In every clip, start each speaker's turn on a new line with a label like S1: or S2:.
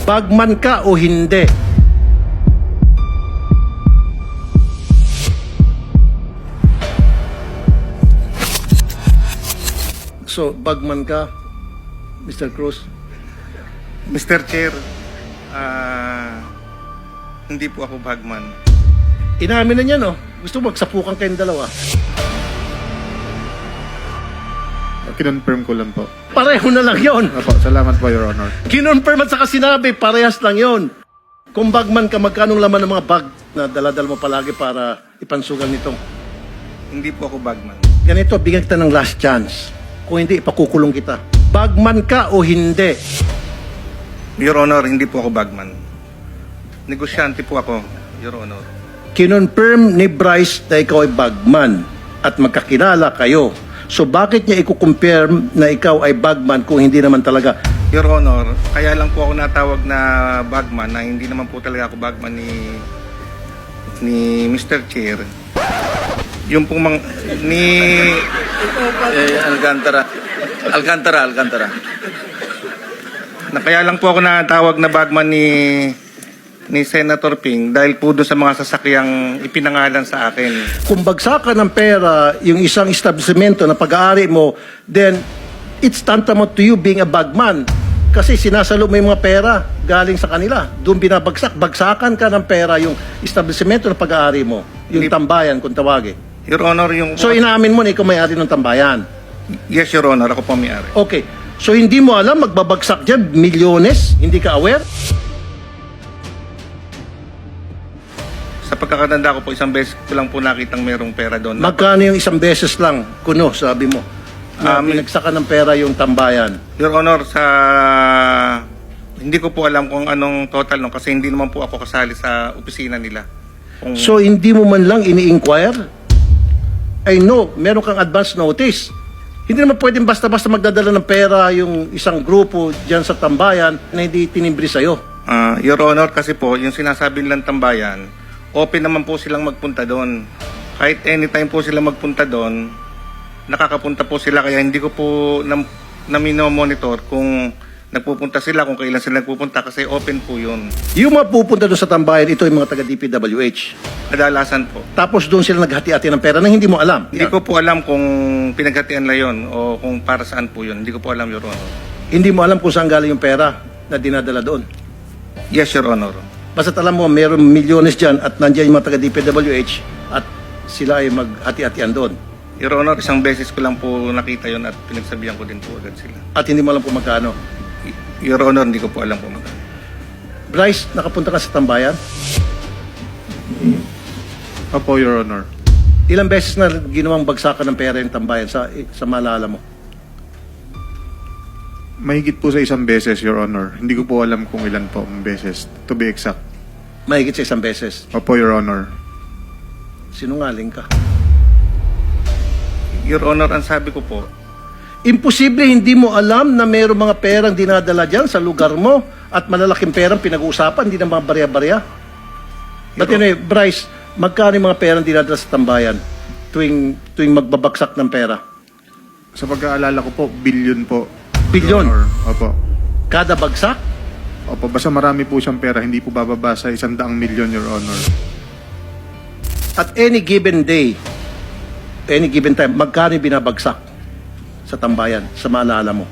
S1: Bagman ka o hindi? So, bagman ka, Mr. Cruz?
S2: Mr. Chair, hindi po ako bagman.
S1: Inamin na niya, no? Gusto mo magsapukan kayong dalawa.
S3: Kinonfirm ko lang po.
S1: Pareho na lang yon.
S3: Opo, salamat po, Your Honor.
S1: Kinonfirm at saka sinabi, parehas lang yon. Kung bagman ka, magkanong laman ng mga bag na daladal mo palagi para ipansugal nito?
S2: Hindi po ako bagman.
S1: Ganito, bigyan kita ng last chance. Kung hindi, ipakukulong kita. Bagman ka o hindi?
S2: Your Honor, hindi po ako bagman. Negosyante po ako, Your Honor.
S1: Kinonfirm ni Bryce na ikaw ay bagman at magkakilala kayo. So bakit niya i-confirm na ikaw ay bagman kung hindi naman talaga?
S2: Your Honor, kaya lang po ako natawag na bagman na hindi naman po talaga ako bagman ni Mr. Chair. Yung pong
S4: Alcantara.
S2: na kaya lang po ako natawag na bagman ni Senator Ping dahil po doon sa mga sasakyang ipinangalan sa akin.
S1: Kung bagsakan ng pera yung isang establishmento na pag-aari mo, then it's tantamount to you being a bagman. Kasi sinasalo mo yung mga pera galing sa kanila. Doon binabagsak. Bagsakan ka ng pera yung establishmento na pag-aari mo. Yung tambayan, kung tawagin.
S2: Your Honor, yung...
S1: So inaamin mo na ikaw may-ari ng tambayan.
S2: Yes, Your Honor, ako po may-ari.
S1: Okay. So hindi mo alam, magbabagsak dyan, milyones? Hindi ka aware?
S2: Sa pagkakatanda ko po, isang beses ko lang po nakitang merong pera doon.
S1: Magkano yung isang beses lang, kuno, sabi mo? Na pinagsakan ng pera yung tambayan.
S2: Your Honor, hindi ko po alam kung anong total no kasi hindi naman po ako kasali sa opisina nila.
S1: So hindi mo man lang ini-inquire? I know, meron kang advance notice. Hindi naman pwedeng basta-basta magdadala ng pera yung isang grupo dyan sa tambayan na hindi tinimbre sa'yo.
S2: Your Honor, kasi po, yung sinasabi nilang tambayan, open naman po silang magpunta doon. Kahit anytime po sila magpunta doon, nakakapunta po sila. Kaya hindi ko po monitor kung nagpupunta sila, kung kailan sila nagpupunta kasi open po yun.
S1: Yung mapupunta doon sa tambayan, ito yung mga taga-DPWH.
S2: Kadalasan po.
S1: Tapos doon sila naghati-hati ng pera na hindi mo alam.
S2: Hindi ko po alam kung pinaghatian na yun o kung para saan po yun. Hindi ko po alam, Your Honor.
S1: Hindi mo alam kung saan galing yung pera na dinadala doon.
S2: Yes, Your Honor.
S1: Basta alam mo, meron milyones dyan at nandiyan yung mga taga-DPWH at sila ay maghati-hatian doon.
S2: Your Honor, isang beses ko lang po nakita yun at pinagsabihan ko din po agad sila.
S1: At hindi mo alam kung magkano.
S2: Your Honor, hindi ko po alam kung magkano.
S1: Bryce, nakapunta ka sa tambayan?
S3: Opo, Your Honor.
S1: Ilang beses na ginawang bagsakan ng pera yung tambayan sa maalala mo?
S3: Mahigit po sa isang beses, Your Honor. Hindi ko po alam kung ilan po ang beses, to be exact.
S1: Mahigit sa isang beses.
S3: Opo, Your Honor.
S1: Sinungaling ka.
S2: Your Honor, ang sabi ko po,
S1: Imposible hindi mo alam na mayroong mga perang dinadala dyan sa lugar mo at malalaking perang pinag-uusapan, hindi na mga barya-barya. But anyway, Bryce, magkano yung mga perang dinadala sa tambayan tuwing magbabagsak ng pera?
S3: Sa pagkaalala ko po, billion po.
S1: Billion?
S3: Your Honor. Opo.
S1: Kada bagsak?
S3: Opo, basta marami po siyang pera, hindi po bababa sa 100 milyon, Your Honor.
S1: At any given day, any given time, magkano yung binabagsak sa tambayan, sa maalala mo?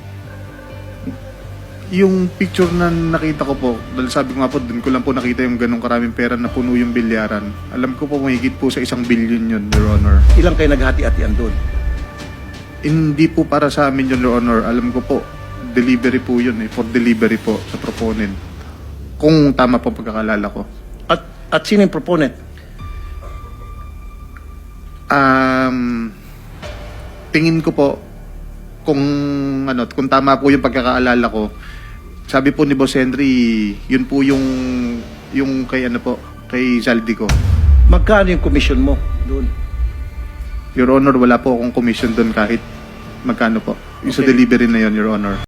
S3: Yung picture na nakita ko po, dahil sabi ko nga po, dun ko lang po nakita yung ganong karaming pera na puno yung bilyaran. Alam ko po, mahigit po sa 1 billion yun, Your Honor.
S1: Ilang kayo naghati-hatian doon?
S3: Hindi po para sa amin yun, Your Honor. Alam ko po, delivery po yun eh, for delivery po sa proponent. Kung tama po pagkakalala ko.
S1: At sino yung proponent?
S3: Tingin ko po, kung tama po yung pagkakaalala ko, sabi po ni Boss Henry, yun po yung kay kay Zaldico.
S1: Magkano yung commission mo doon?
S3: Your Honor, wala po akong commission doon kahit magkano po. Yung sa
S1: Okay.
S3: delivery na yun, Your Honor.